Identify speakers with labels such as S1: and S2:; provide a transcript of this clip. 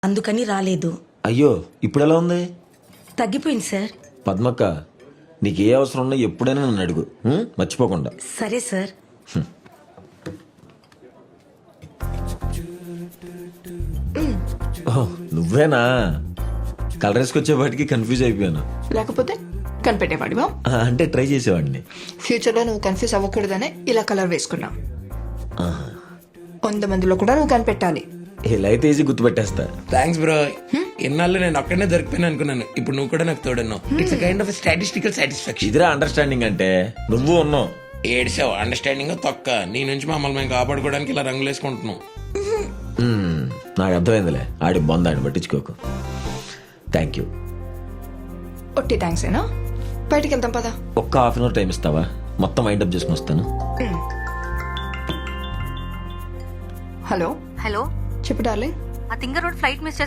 S1: అందుకని రాలేదు.
S2: అయ్యో ఇప్పుడు ఎలా ఉంది?
S1: తగ్గిపోయింది సార్.
S2: పద్మక్క, నీకు ఏ అవసరం ఉన్నా ఎప్పుడైనా నన్ను అడుగు, మర్చిపోకుండా.
S1: సరే సార్.
S2: ఓహ్, నువ్వేనా? కలర్ వేసుకొచ్చేపాటికి కన్ఫ్యూజ్ అయిపోయాను.
S3: లేకపోతే కనిపెట్టేవాడివా?
S2: అంటే ట్రై చేసేవాడిని.
S3: ఫ్యూచర్లో నువ్వు కన్ఫ్యూజ్ అవ్వకూడదనే ఇలా కలర్ వేసుకున్నా. 100 మందిలో కూడా నువ్వు కనిపెట్టాలి.
S2: ఇలా అయితే ఈజీ గుర్తుపెట్టేస్తా.
S4: Thanks bro. ఇన్నాళ్ళు నేను ఒక్కడనే దొరికిపోయినా అనుకున్నాను. ఇప్పుడు నువ్వు కూడా నాకు తోడున్నావు. It's kind of statistical satisfaction.
S2: ఇదిరా అండర్స్టాండింగ్ అంటే. నువ్వు ఉన్నావు.
S4: ఏడ్చావు అండర్స్టాండింగ్ తొక్క. నీ నుంచి మమ్మల్ని మేము కాపాడుకోవడానికి ఇలా రంగులు వేసుకుంటున్నాం.
S2: నాకు అర్థమైందిలే. ఆడి బొందాన్ని పట్టించుకోకు. Thank you.
S3: ఒట్టి థ్యాంక్స్ ఏనా? బయటికి వెళ్తాం పదా.
S2: ఒక్క హాఫ్ అన్ అవర్ టైం ఇస్తావా? మొత్తం వైండప్ చేసుకుని వస్తాను.
S3: హలో
S5: హలో,
S3: చెప్పు డార్లింగ్.
S5: ఆ తింగర్ రోడ్ ఫ్లైట్ మిస్